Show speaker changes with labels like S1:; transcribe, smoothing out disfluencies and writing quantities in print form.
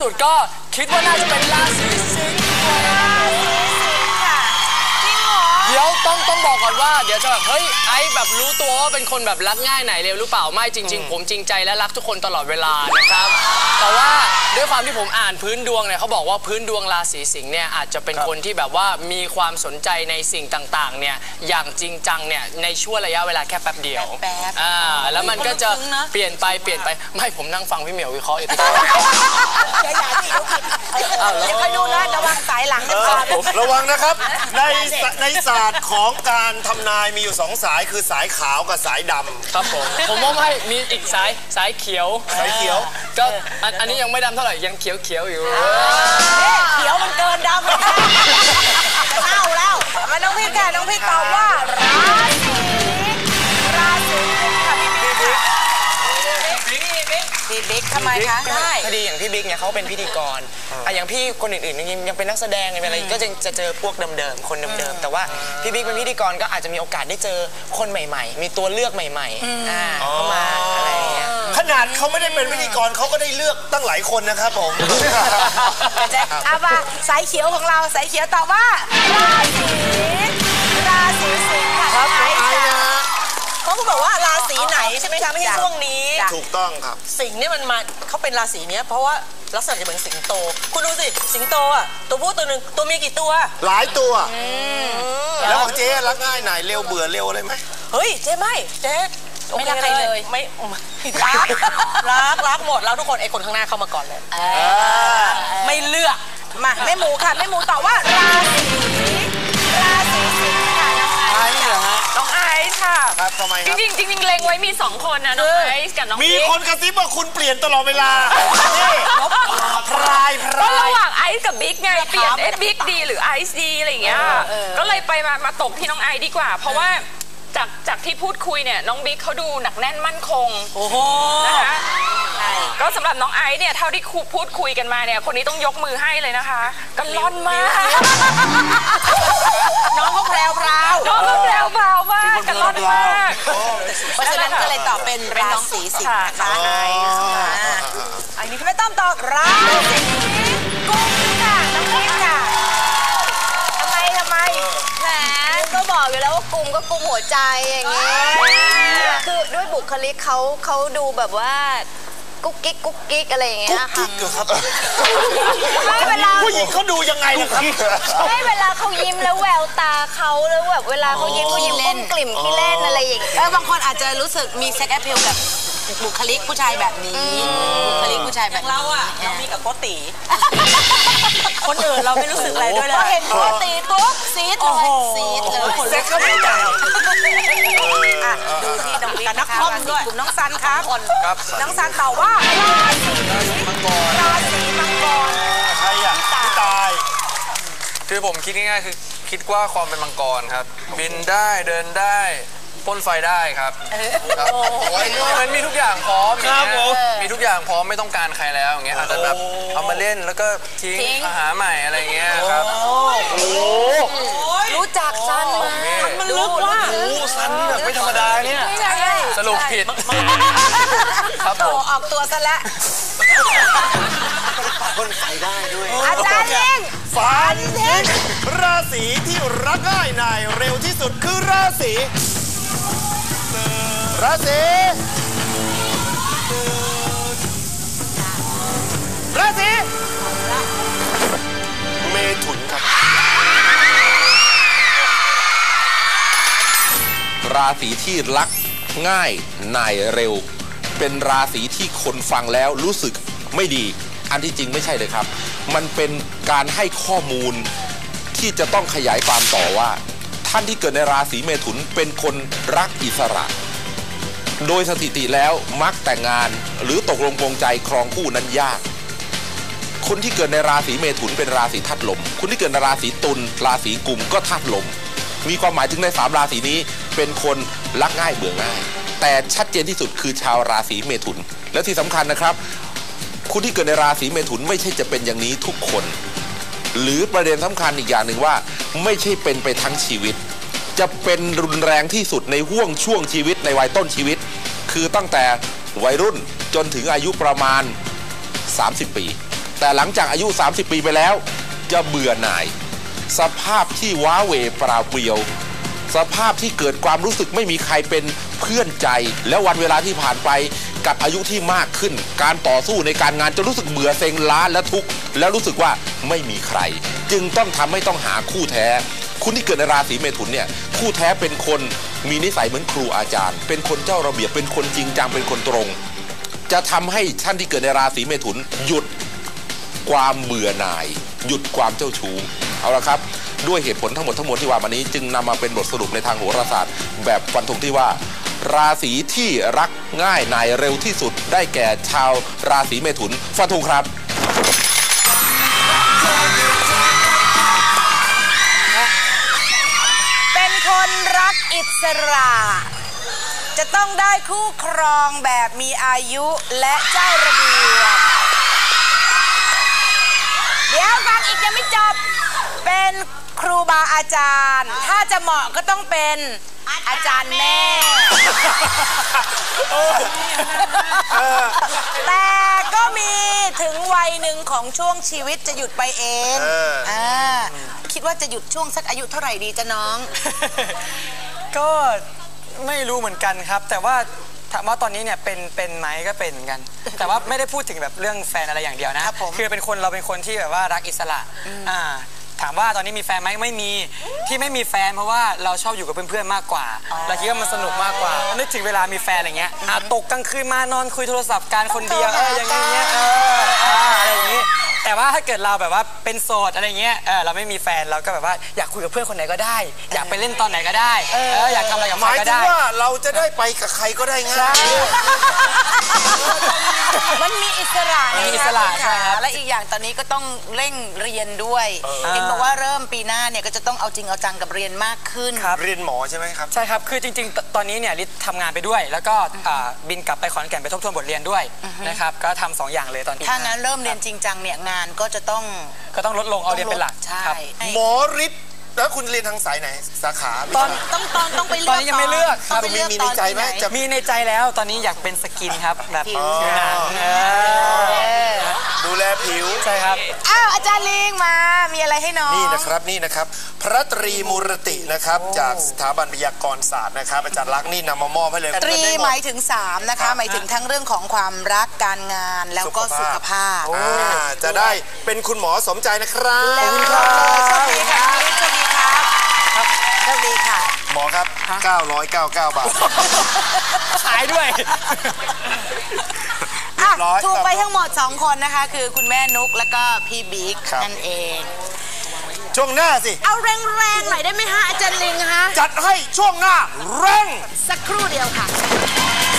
S1: สุดก็คิดว่าน่าจะเป็นราศีสิงห์
S2: ค่ะจริงเหรอ
S1: เดี๋ยวต้องบอกก่อนว่าเดี๋ยวจะแบบเฮ้ยไอ้แบบรู้ตัวว่าเป็นคนแบบรักง่ายไหนเร็วหรือเปล่าไม่จริงๆผมจริงใจและรักทุกคนตลอดเวลานะครับแต่ว่าด้วยความที่ผมอ่านพื้นดวงเนี่ยเขาบอกว่าพื้นดวงราศีสิงห์เนี่ยอาจจะเป็นคนที่แบบว่ามีความสนใจในสิ่งต่างๆเนี่ยอย่างจริงจังเนี่ยในช่วงระยะเวลาแค่แป๊บเดียวแล้วมันก็จะเปลี่ยนไปไม่ผมนั่งฟังพี่เหมียววิเคราะห์อยู่ที่
S2: อย่าคอยดูนะระวังสายหลังนะครับ
S3: ระวังนะครับในศาสตร์ของการทำนายมีอยู่2 สายคือสายขาวกับสายดำ
S1: ครับผมว่าไม่มีอีกสายเขียวก็อันนี้ยังไม่ดำเท่าไหร่ยังเขียวอยู่
S2: เขียวมันเกินดำเน่าแล้วมาน้องพี่ค่ะน้องพี่ตอบว่าราศีค่ะพี่บิ๊กทำไมคะได้
S4: พอดีอย่างพี่บิ๊กเนี่ยเขาเป็นพิธีกรอย่างพี่คนอื่นๆยังเป็นนักแสดงอะไรก็จะเจอพวกเดิมๆคนเดิมๆแต่ว่าพี่บิ๊กเป็นพิธีกรก็อาจจะมีโอกาสได้เจอคนใหม่ๆมีตัวเลือกใหม่ๆเข้ามาอะไรอย่างเงี้ย
S3: ขนาดเขาไม่ได้เป็นพิธีกรเขาก็ได้เลือกตั้งหลายคนนะครับผม
S2: เอามาสายเขียวของเราสายเขียวตอบว่าราศีสิงห์ค่ะ
S3: ครับ
S2: เขาบอกว่าราศีไหนใช่ไหมคะไม่ใช่ช่วงนี้
S3: ถูกต้องครับ
S2: สิงห์เนี่ยมันมาเขาเป็นราศีเนี้ยเพราะว่าลักษณะจะเหมือนสิงโตคุณดูสิสิงโตอ่ะตัวผู้ตัวหนึ่งตัวเมียกี่ตัว
S3: หลายตัวแล้วของเจ๊รักง่ายไหนเร็วเบื่อเร็วอะไรไหม
S2: เฮ้ยเจ๊ไม่เจ๊ไม่รักใครเลยไม่รักหมดแล้วทุกคนไอ้คนข้างหน้าเข้ามาก่อนเลยไม่เลือกมาแม่หมูค่ะแม่หมูตอบว่าราศีสิงห์ค่ะ
S3: ไอซ์เหรอฮะ
S5: น้องไอซ์ค่ะ
S3: ครับทำไมครับ
S5: จริงเล็งไว้มี2 คนนะน้องไอซ์กับน้อง
S3: มีคนกระซิบว่าคุณเปลี่ยนตลอดเวลาพราย
S5: ก็ระหว่างไอซ์กับบิ๊กไงเปลี่ยนบิ๊กดีหรือไอซ์ดีอะไรอย่างเงี้ยก็เลยไปมาตกที่น้องไอซ์ดีกว่าเพราะว่าจากที่พูดคุยเนี่ยน้องบิ๊กเขาดูหนักแน่นมั่นคงนะคะก็สำหรับน้องไอซ์เนี่ยเท่าที่พูดคุยกันมาเนี่ยคนนี้ต้องยกมือให้เลยนะคะกันล่อนมาก
S2: น้องเขาแพรวมาก
S5: กันล่อนมาก
S2: เพราะฉะนั้นก็เลยตอบเป็นราศีสิงห์นะคะอันนี้ไม่ต้องตอบราศีกุมค่ะน้องบิ๊กค่ะทำไม
S6: แหมก็บอกอยู่แล้วว่ากุมก็กุมหัวใจอย่างเงี้ยคือด้วยบุคลิกเขาดูแบบว่ากุ๊กกิ๊กอะไรอย่างเงี้ยค่ะ
S3: ไม่เวลาผู้หญิงเขาดูยังไงล่ะครับ
S6: ไม่เวลาเขายิ้มแล้วแววตาเขาแล้วแบบเวลาเขายิ้มก้มกลิ่มขี้เล่นอะไรอย่างเงี้ย
S2: บางคนอาจจะรู้สึกมีเซ็กแอพเพลกับบุคลิกผู้ชายแบบนี้บุคลิกผู้ชายแบบเราอะเรามีกับโกติคนอื่นเราไม่รู้สึกอะไรด้วยเลยเห็นโกติปุ๊บซีดเลย
S3: เซ็กก็ไม่ได้
S2: ดูที่น้องบิ๊กนักคอมด้วยกลุ่มน้องซันครับน้องซันตอบว่าราศีมังกร
S3: ใครอะพี่ตาย
S1: คือผมคิดง่ายๆคือคิดว่าความเป็นมังกรครับบินได้เดินได้พ่นไฟได้ครับมันมีทุกอย่างพร้อมมีทุกอย่างพร้อมไม่ต้องการใครแล้วอย่างเงี้ยอาจจะแบบเอามาเล่นแล้วก็ทิ้งมาหาใหม่อะไรเงี้ยครับ
S2: รู้จักซันมันลึกว่า
S3: ซันนี่แบบไม่ธรรมดาเนี่ย
S1: สรุปผิดครับผม
S2: ออกตัวซะแล้ว
S3: พ่นไฟได้ด้วย
S2: อาจารย์เอง
S3: ฝันทิ้งราศีที่รักง่ายนายเร็วที่สุดคือราศีเมถุนครับ
S7: ราศีที่รักง่ายนายเร็วเป็นราศีที่คนฟังแล้วรู้สึกไม่ดีอันที่จริงไม่ใช่เลยครับมันเป็นการให้ข้อมูลที่จะต้องขยายความต่อว่าท่านที่เกิดในราศีเมถุนเป็นคนรักอิสระโดยสถิติแล้วมักแต่งงานหรือตกลงปลงใจครองคู่นั้นยากคนที่เกิดในราศีเมถุนเป็นราศีธาตุลมคนที่เกิดในราศีตุลราศีกุมก็ธาตุลมมีความหมายถึงใน3ราศีนี้เป็นคนรักง่ายเบื่อง่ายแต่ชัดเจนที่สุดคือชาวราศีเมถุนและที่สำคัญนะครับคนที่เกิดในราศีเมถุนไม่ใช่จะเป็นอย่างนี้ทุกคนหรือประเด็นสำคัญอีกอย่างหนึ่งว่าไม่ใช่เป็นไปทั้งชีวิตจะเป็นรุนแรงที่สุดในห่วงช่วงชีวิตในวัยต้นชีวิตคือตั้งแต่วัยรุ่นจนถึงอายุประมาณ30 ปีแต่หลังจากอายุ30 ปีไปแล้วจะเบื่อหน่ายสภาพที่ว้าเหวเปล่าเปลี่ยวสภาพที่เกิดความรู้สึกไม่มีใครเป็นเพื่อนใจแล้ววันเวลาที่ผ่านไปกับอายุที่มากขึ้นการต่อสู้ในการงานจะรู้สึกเบื่อเซ็งล้าและทุกข์แล้วรู้สึกว่าไม่มีใครจึงต้องหาคู่แท้คุณที่เกิดในราศีเมถุนเนี่ยคู่แท้เป็นคนมีนิสัยเหมือนครูอาจารย์เป็นคนเจ้าระเบียบเป็นคนจริงจังเป็นคนตรงจะทำให้ท่านที่เกิดในราศีเมถุนหยุดความเบื่อหน่ายหยุดความเจ้าชู้เอาละครับด้วยเหตุผลทั้งหมดที่ว่ามานี้จึงนำมาเป็นบทสรุปในทางโหราศาสตร์แบบฟันธงที่ว่าราศีที่รักง่ายนายเร็วที่สุดได้แก่ชาวราศีเมถุนฟันธงครับ
S2: เป็นคนรักอิสระจะต้องได้คู่ครองแบบมีอายุและเจ้าระเบียบเดี๋ยวฟังอีกยังไม่จบเป็นครูบาอาจารย์ถ้าจะเหมาะก็ต้องเป็นอาจารย์แม่แต่ก็มีถึงวัยหนึ่งของช่วงชีวิตจะหยุดไปเองคิดว่าจะหยุดช่วงสักอายุเท่าไหร่ดีจ๊ะน้อง
S8: ก็ไม่รู้เหมือนกันครับแต่ว่าถามว่าตอนนี้เนี่ยเป็นไหมก็เป็นเหมือนกันแต่ว่าไม่ได้พูดถึงแบบเรื่องแฟนอะไรอย่างเดียวนะคือเราเป็นคนที่แบบว่ารักอิสระถามว่าตอนนี้มีแฟนไหมไม่มีที่ไม่มีแฟนเพราะว่าเราชอบอยู่กับเพื่อนๆมากกว่าเราคิดว่ามันสนุกมากกว่านึกถึงเวลามีแฟนอะไรเงี้ยตกกลางคืนมานอนคุยโทรศัพท์กันคนเดียวอย่างเงี้ยอะไรอย่างงี้แต่ว่าถ้าเกิดเราแบบว่าเป็นโสดอะไรเงี้ยเราไม่มีแฟนเราก็แบบว่าอยากคุยกับเพื่อนคนไหนก็ได้อยากไปเล่นตอนไหนก็ได้อยากทำอะไรกับใครก็ได้
S3: หมายถึงว่าเราจะได้ไปกับใครก็ได้ง่าย
S2: มันมีอิสระใช่ครับและอีกอย่างตอนนี้ก็ต้องเร่งเรียนด้วยเห็นบอกว่าเริ่มปีหน้าเนี่ยก็จะต้องเอาจริงเอาจังกับเรียนมากขึ้น
S3: เรียนหมอใช่ไหมครับ
S8: ใช่ครับคือจริงๆตอนนี้เนี่ยลิศทำงานไปด้วยแล้วก็บินกลับไปขอนแก่นไปทบทวนบทเรียนด้วยนะครับก็ทำ2 อย่างเลยตอนนี้
S2: ถ้างั้นเริ่มเรียนจริงจังเนี่ยงานก็จะต้อง
S8: ลดลงเอาเรียนเป็นหลัก
S2: ใช่
S3: หมอฤทธิ์แล้วคุณเรียนทางสายไหนสาขา
S2: ต้องไปเลือก
S8: ตอนนี้ยังไม่เลือกครับ
S3: มีในใจไหม
S8: มีในใจแล้วตอนนี้อยากเป็นสกินครับแบบผิวหนัง
S3: ดูแลผิว
S8: ใช่ครับ
S2: อาจารย์ลิงมามีอะไรให้น้อง
S3: นี่นะครับพระตรีมูรตินะครับจากสถาบันพยากรณ์ศาสตร์นะครับอาจารย์ลักษณ์นี่นำมามอบให้เลย
S2: ตรีหมายถึง3นะคะหมายถึงทั้งเรื่องของความรักการงานแล้วก็สุขภาพ
S3: จะได้เป็นคุณหมอสมใจนะครับ
S2: ขอบคุณครับสวัสดีครับสวัสดีครับสวัสดีค่ะ
S3: หมอครับ999 บาท
S8: ขายด้วย
S2: ถูกไปทั้งหมด2 คนนะคะคือคุณแม่นุ๊กแล้วก็พี่บิ๊กนั่นเอง
S3: ช่วงหน้าสิ
S2: เอาแรงๆหน่อยได้ไหมฮะอาจารย์ลิงฮะ
S3: จัดให้ช่วงหน้าแรง
S2: สักครู่เดียวค่ะ